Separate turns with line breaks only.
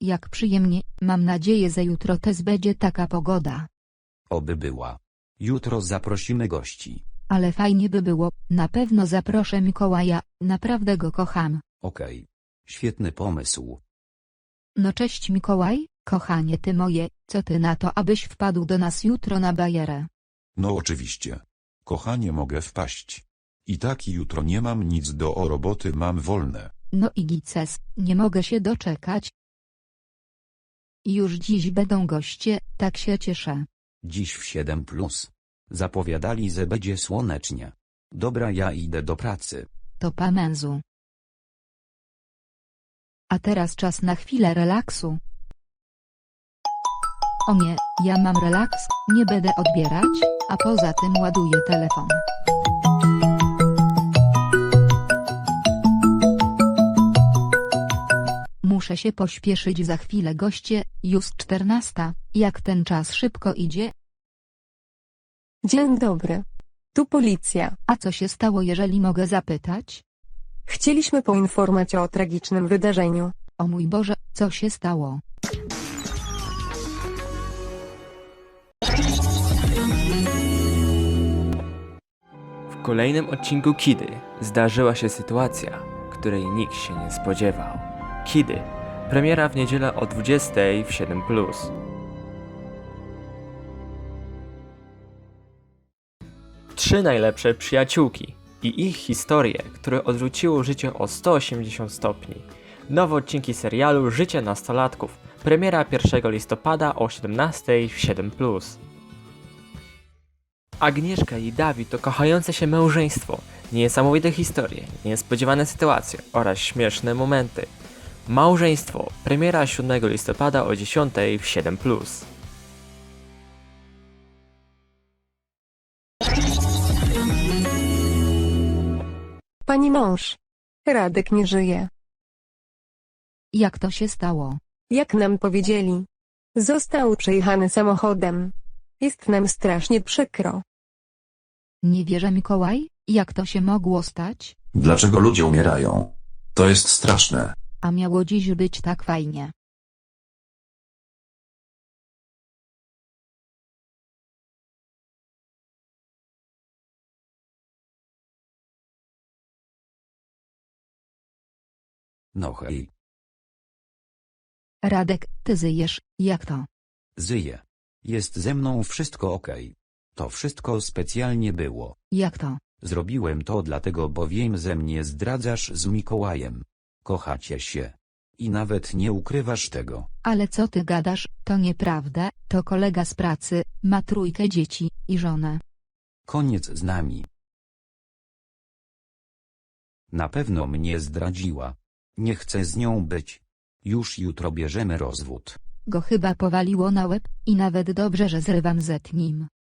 Jak przyjemnie, mam nadzieję, że jutro też będzie taka pogoda.
Oby była. Jutro zaprosimy gości.
Ale fajnie by było, na pewno zaproszę Mikołaja, naprawdę go kocham.
Okej. Świetny pomysł.
No cześć Mikołaj, kochanie ty moje, co ty na to, abyś wpadł do nas jutro na bajerę?
No oczywiście. Kochanie, mogę wpaść. I tak jutro nie mam nic do roboty, mam wolne.
No i gices, nie mogę się doczekać. Już dziś będą goście, tak się cieszę.
Dziś w 7+. Zapowiadali, że będzie słonecznie. Dobra, ja idę do pracy.
To pa mężu. A teraz czas na chwilę relaksu. O nie, ja mam relaks, nie będę odbierać, a poza tym ładuję telefon. Muszę się pośpieszyć, za chwilę goście, już 14, jak ten czas szybko idzie.
Dzień dobry. Tu policja.
A co się stało, jeżeli mogę zapytać?
Chcieliśmy poinformować o tragicznym wydarzeniu.
O mój Boże, co się stało?
W kolejnym odcinku Kidy zdarzyła się sytuacja, której nikt się nie spodziewał. Kidy. Premiera w niedzielę o 20 w 7+. Trzy najlepsze przyjaciółki i ich historie, które odwróciły życie o 180 stopni. Nowe odcinki serialu Życie nastolatków. Premiera 1 listopada o 17 w 7+. Agnieszka i Dawid to kochające się małżeństwo, niesamowite historie, niespodziewane sytuacje oraz śmieszne momenty. Małżeństwo. Premiera 7 listopada o 10 w 7+.
Pani mąż. Radek nie żyje.
Jak to się stało?
Jak nam powiedzieli. Został przejechany samochodem. Jest nam strasznie przykro.
Nie wierzę Mikołaj, jak to się mogło stać?
Dlaczego ludzie umierają? To jest straszne.
A miało dziś być tak fajnie.
No hej.
Radek, ty żyjesz, jak to?
Żyję. Jest ze mną wszystko okej. To wszystko specjalnie było.
Jak to?
Zrobiłem to dlatego, bo wiem, że mnie zdradzasz z Mikołajem. Kochacie się. I nawet nie ukrywasz tego.
Ale co ty gadasz, to nieprawda, to kolega z pracy, ma 3 dzieci i żonę.
Koniec z nami. Na pewno mnie zdradziła. Nie chcę z nią być. Już jutro bierzemy rozwód.
Go chyba powaliło na łeb, i nawet dobrze, że zrywam z nim.